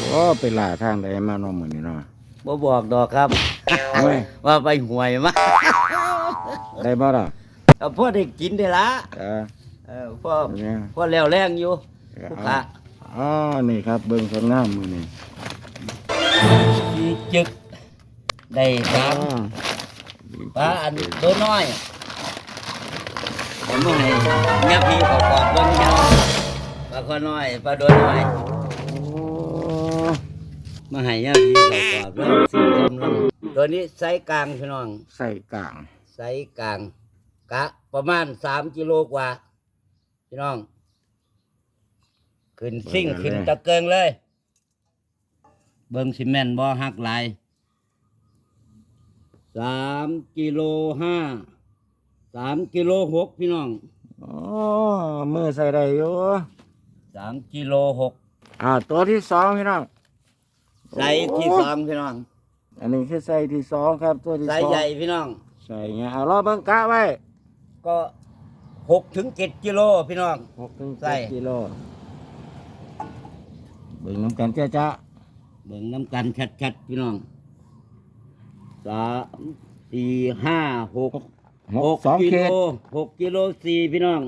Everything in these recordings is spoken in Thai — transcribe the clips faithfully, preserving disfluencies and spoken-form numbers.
ก็ไปล่าทางใดมาเนาะมื้อนี้เนาะบ่บอกดอกครับว่าไปหวยมาได้บ่ล่ะเอาพ่อได้กินได้ละเออเออพ่อพ่อแล้วแรงอยู่ลูกค้าอ๋อนี่ครับเบิ่งสวยงามมื้อนี้สีจึกได้ปลาปลาอันตัวน้อยผมให้เงียบพี่เขากอดเบิ่งยังปลาข้อน้อยปลาตัวน้อยมาให้ยาพี่เขากอดเบิ่งสีส้มน้ำตัวนี้ไซส์กลางพี่น้องไส้กลางไซส์กลางกะประมาณสามกิโลกว่าพี่น้องขึ้นซิ่งขึ้นตะเกิงเลยเบิ่งซีเมนต์บ่หักหลายสามกิโลห้าสามกิโลหกพี่น้องอ๋อมือใส่ได้อยู่สามกิโลหกอ่าตัวที่สองพี่น้องไซส์ที่สองพี่น้องอันนี้คือไซส์ที่สองครับตัวที่สองไซส์ใหญ่พี่น้องใส่เงี้ยเอารอเบิ่งกะไว้ก็หกถึงเจ็ดกิโลพี่น้องหกถึงเจ็ดกิโลเบิ่งน้ำกันเจ้าจ้าเบิ่งน้ำกันชัดๆพี่น้องสามสี่ห้าหกหกกิโลหกกิโลสี่พี่น้อง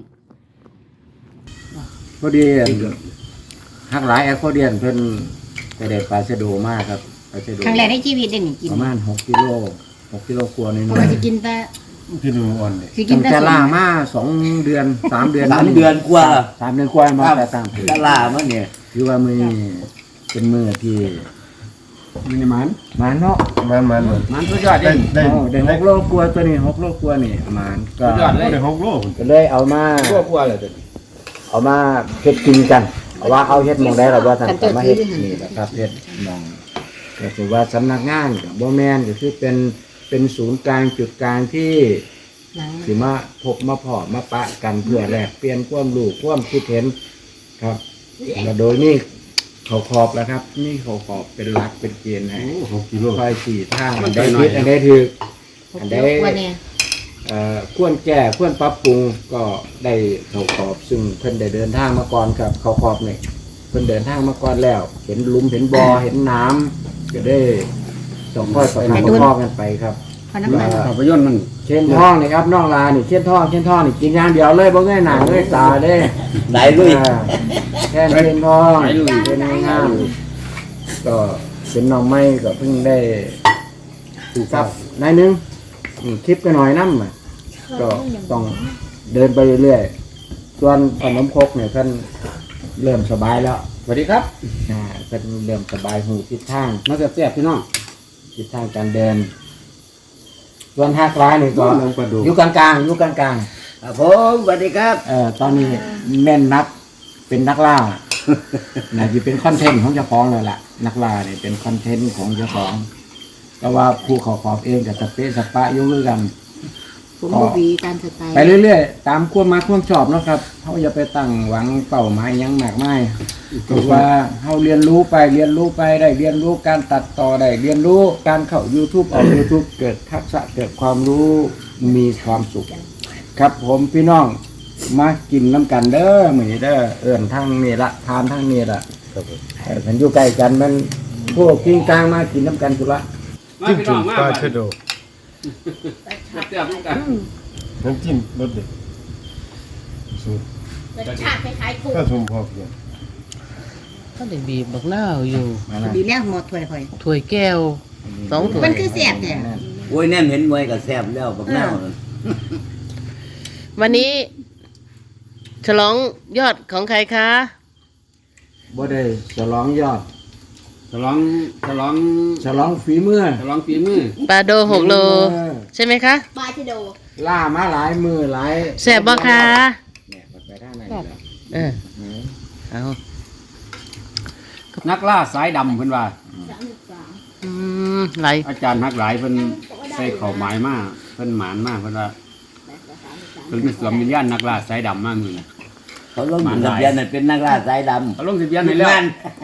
พอดีหักหลายแอคโคเดียนเพิ่นไปได้ปลาชะโดมากครับปลาชะโดครั้งแรกในชีวิตได้หนึ่งกินประมาณหกกิโลหกกิโลกว่านี่เพราะว่าจะกินแต่กินอ่อนเลยกินแต่ล่ามาสองเดือนสามเดือนสามเดือนกว่าสามเดือนกว่ามาแต่ต่างแต่ล่ามาเนี่ยคือว่ามือเป็นมือที่มันมันมันเนาะมันมันมันสุดยอดเลยได้ได้หกโลกว่าตัวนี้หกโลกว่านี่มันก็สุดยอดเลยได้หกโลก็เลยเอามาโลกว่าเลยเอามาเฮ็ดกินกันเอาว่าเอาเฮ็ดมองได้หรอว่าท่านมาเฮ็ดนี่แหละครับเฮ็ดมองก็คือว่าสำนักงานกับบ่แม่นก็คือเป็นเป็นศูนย์กลางจุดกลางที่สิมาพบมาพอมาปะกันเพื่อแลกเปลี่ยนความรู้ความคิดเห็นครับแล้วโดยนี่เขาขอบแล้วครับนี่เขาขอบเป็นหลักเป็นเกณฑ์ให้หกกิโลคอยสี่ทางอันใดผิดอันใดถูกอันใดเอ่อควรแก้ควรปรับปรุงก็ได้เขาขอบซึ่งเพิ่นได้เดินทางมาก่อนครับเขาขอบนี่เพิ่นเดินทางมาก่อนแล้วเห็นหลุมเห็นบ่อเห็นน้ำก็ได้ต้องค่อยประคับประคองกันไปครับภาพยนตร์มันเช่นท้องนี่ครับน้องลานี่เช่นท้องเช่นท้องนี่กินอย่างเดียวเลยบ่เงยหน้าเงยตาเด้ไหนลุยแค่เช่นท้องเป็นงามก็เป็นน้องไม้ก็เพิ่งได้ถูกครับนายนึงคลิปกันหน่อยน้ำก็ต้องเดินไปเรื่อยๆส่วนขนมครกเนี่ยท่านเริ่มสบายแล้วสวัสดีครับอ่าท่านเริ่มสบายหูทิศทางมาแซ่บๆพี่น้องทิศทางการเดินส่วนหักร้ายนี่ก็อยู่กลางๆอยู่กลางๆครับผมสวัสดีครับเอ่อตอนนี้แม่นนักเป็นนักล่าน่าจะเป็นคอนเทนต์ของเจ้าของเลยล่ะนักล่าเนี่ยเป็นคอนเทนต์ของเจ้าของแต่ว่าผู้ขอขอบเองกับสเปซสปะยุ่งด้วยกันผมบูบีตามสไตล์ไปเรื่อยๆตามความมาความชอบนะครับเขาอย่าไปตั้งหวังเป้าหมายยังมากมายก็ว่าเขาเรียนรู้ไปเรียนรู้ไปได้เรียนรู้การตัดต่อได้เรียนรู้การเข้า YouTube ออก YouTube เกิดทักษะเกิดความรู้มีความสุขครับผมพี่น้องมากินน้ำกันเด้อเหมือนเด้อเอิ่นทั้งนี่ละทานทั้งนี่ละมันอยู่ใกล้กันมันพวกกินกลางมากินน้ำกันสุละจิ้มจุ่มปลาชะโดแซ่บๆด้วยกันน้ำจิ้มรสเด็ดสูตรรสชาติคล้ายๆกุ้งก็ชมพอเพียงก็ได้บีบบักหน้าอยู่บีบแล้วหมดถ้วยค่อยถ้วยแก้วสองถ้วยมันคือแซ่บเนี่ยโอ้ยแน่เห็นมวยกับแซ่บแล้วบักหน้าวันนี้ฉลองยอดของใครคะบ่ได้ฉลองยอดฉลองฉลองฉลองฝีมือฉลองฝีมือปลาโดหกโลใช่ไหมคะปลาชะโดล่ามาหลายมือหลายแซ่บบ่คะเนี่ยไปด้านไหนเออเอานักล่าสายดำเพิ่นว่าอืมไหลอาจารย์นักหลายเพิ่นใส่ข้าวหมายมากเพิ่นหมานมากเพิ่นว่าเพิ่นเป็นสวมวิญญาณนักล่าสายดำมากมือเขาลงทะเบียนเป็นนักล่าสายดำเขาลงทะเบียนให้แล้ว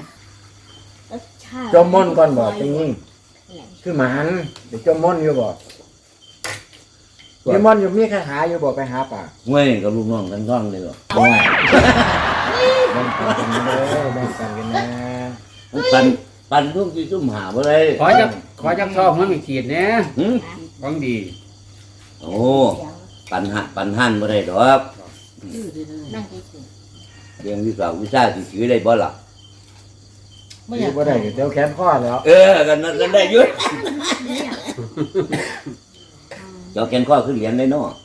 จมม่อนก่อนบอกจริงคือหมันเดี๋ยวจมม่อนอยู่บอกจมม่อนอยู่มีคาถาอยู่บอกไปหาป่าเว้ยกับลูกน้องกันก้องเลยหรอแบ่งกันกันเลยแบ่งกันกันนะปันปั่นทุกที่ซุ่มหาบ่ได้ขอจักขอจักซองมันมีขีดแหน่หึของดีโอ้ปั่นหันปั่นหันบ่ได้ดอกนั่งเฉยเรียนวิชาวิชาสิถือได้บ่ล่ะไม่อยากบ่ได้เดี๋ยวแขนข้อแล้วเออกันนั้นกันได้อยุ่ เจ้าแกนข้อขึ้นเหรียญได้เนาะ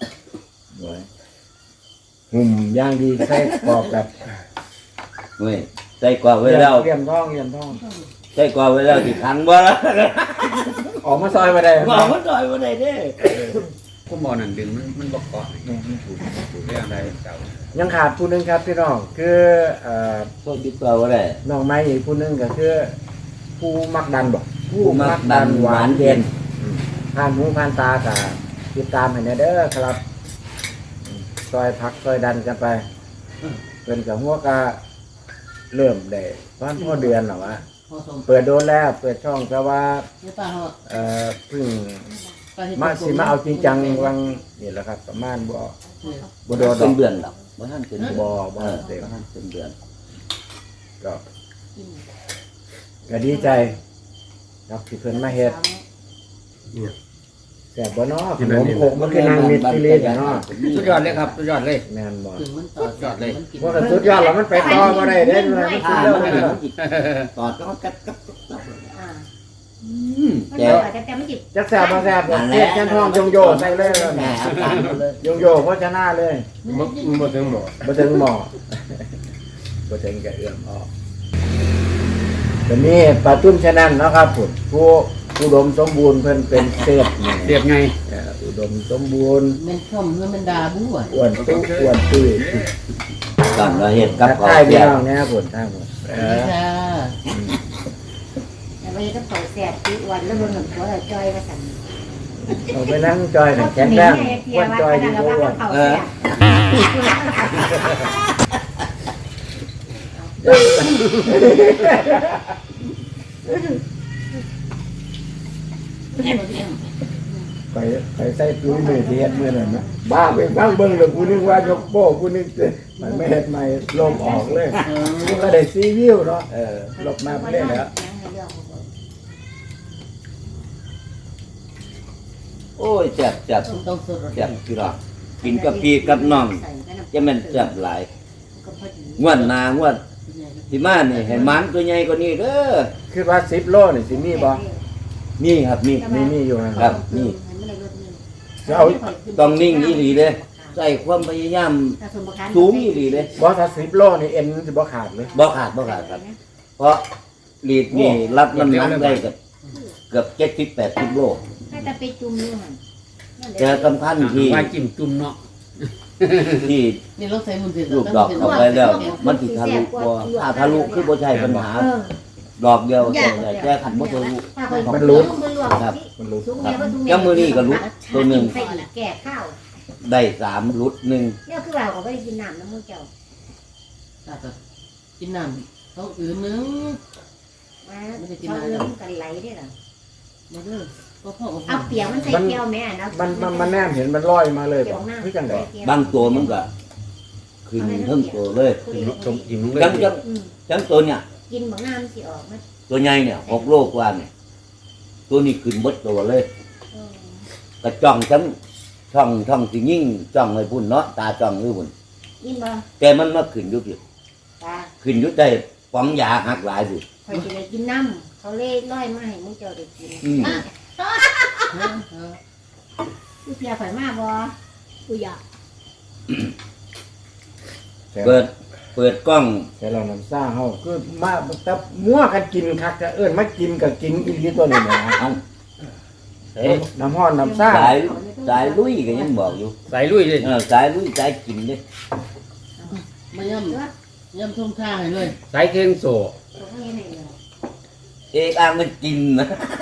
หุ่มย่างดีใส่กรอบแบบเว้ยใส่กว่าไว้แล้วเลี่ยมทองเลี่ยมทองใส่กว่าไว้แล้วสิขังบ่ล่ะออกมาซอยมาได้บ่มันดอยบ่ได้เด้ผู้หมอนั่นดึงมันมันบ่เกาะนี่ถูกถูกเรื่องใดเจ้ายังขาดผู้หนึงครับพี่น้องคือเอ่อพวกติดตัวบ่ได้น้องไม้อีกผู้หนึงก็คือผู้มักดันบ่ผู้มักดันหวานเย็นผ่านหูผ่านตาก็ติดตามให้แน่เด้อครับซอยพักซอยดันกันไปเป็นกับหัวก็เริ่มได้ประมาณพอเดือนหรอวะพอสมเปิดโดนแล้วเปิดช่องแต่ว่าไม่ป้าเขาเอ่อเพิ่งป้าเห็นมาสิมาเอาจริงจังวังนี่แหละครับ ประมาณบ่บ่โดนดเป็อน กเดือนดอกบ่ทันเป็นบ่เอบ่อเต็มบ่ทันเป็นเดือนก็ก็ดีใจครับที่เพิ่นมาเฮ็ดแซ่บบ่เนาะขนมโคกมันคือนางมิตรที่เล่นเนาะสุดยอดเลยครับสุดยอดเลยแม่นบ่ถึงมันต่อยอดเลยมันกินว่ากันสุดยอดแล้วมันไปต่อบ่ได้เด้มันสุถ้าดยอดมันเลยมันสิตอดก็กัดกัดกัดๆอ่าอืมมันแต่เดี๋ยวอาจจะแต่ไม่จิบจักแซ่บบ่แซ่บเสียบแค่ทองยงโยใส่เลยแหมอาการหมดเลยยงโยโฆษณาเลยบ่บ่ถึงหมอบ่ถึงหมอบ่ถึงกับเอื้อมออกตอนนี้ปลาตุ้มชะนันเนาะครับผมผู้อุดมสมบูรณ์เพิ่นเป็นเศษนี่เสียบไงเอ่ออุดมสมบูรณ์มันชมเพื่อมันดาบู้อ่ะอ้วนตุ้อ้วนตุ้ยตอนเราเฮ็ดกับทักข้าวทายพี่เสียน้องนะครับผมทางผมเออค่ะแต่ว่าจะเปิดแสบที่วันแล้วมันเหมือนหัวเราจอยมาสั่นเอาไปนั่งจอยกันแข็งแรงอ้วนจอยดีกว่าอ้วนเออไปไปใส่ตุ้ยมือที่เฮ็ดมือนั่นนะบ้าไปฟังเบิ่งแล้วกูนึกว่ายกโป้กูนึกมันไม่เฮ็ดใหม่ลมออกเลยกูก็ได้ซีวิวเนาะเออลบมาเรื่อยแล้วโอ้ยแซ่บแซ่บต้องสดแซ่บพี่น้องกินกับพี่กับน้องจะแม่นแซ่บหลายงวดหน้างวดที่มานี่ให้มันตัวใหญ่กว่านี้เด้อคือว่าสิบโลนี่สิมีบ่นี่ครับนี่มีมีอยู่นะครับนี่จะเอาต้องนิ่งอีหลีเด้ใส่ความพยายามสูงอีหลีเด้บ่ถ้าสิบโลนี่เอ็นสิบ่ขาดเลยบ่ขาดบ่ขาดครับ เพราะลีดนี่รับน้ำหนักได้กับเกือบเจ็ดสิบแปดสิบโลถ้าจะไปจุ่มอยู่หันแต่สำคัญที่ว่าจิ้มจุ่มเนาะที่นี่เราใส่มุนเสร็จลูกดอกเข้าไปแล้ว มันสิทะลุบ่ถ้าทะลุคือบ่ใช่ปัญหาเออดอกเดียวแต่แก้ขันบ่ทะลุมันรู้ครับมันรู้แแก่ข้าวได้สามรุดหนึ่งเนี่ยคือว่าเขาไม่ได้กินน้ำน้ำมันเจ้ากินน้ำต้องอื่นนึงมาเขาเริ่มกันไหลได้หรอมาเด้อก็พ่อเอาเปียกมันใส่แก้วแม่นะมันมันมันแนมเห็นมันลอยมาเลยบ่คือจังได๋บางตัวมันก็ขึ้นทั้งตัวเลยตรงอิ่มลงเลยจังจังจังตัวเนี่ยกินบางน้ำสิออกมั้ยตัวใหญ่เนี่ยหกโลกว่าเนี่ยตัวนี้ขึ้นหมดตัวเลยกระจ่องทั้งช่องช่องสิยิ่งจ้องให้พุ่นเนาะตาจ้องให้พุ่นกินบ่แต่มันมาขึ้นอยู่ที่ตาขึ้นอยู่ได้ป๋องยาหักหลายสิคอยจะได้กินน้ำเขาเล่ร้อยมาให้มึงเจ้าได้กินอืมกูเปียข่อยมาบ่กูอยากเปิดเปิดกล้องแต่เราน้ำซ่าเฮาคือมาแต่มั่วกันกินคักจะเอิ้นมากินก็กินอีหลีตัวนี้นะเอาเอ๊ะน้ำฮ้อนน้ำซ่าสายสายลุยก็ยังบอกอยู่ใส่ลุยเลยเออสายลุยสายกินเด้มาย่ำย่ำทุ่มท่าให้เลยใส่เครื่องโซ่เขาไม่ให้เลยเอกอ้างมันกินนะเ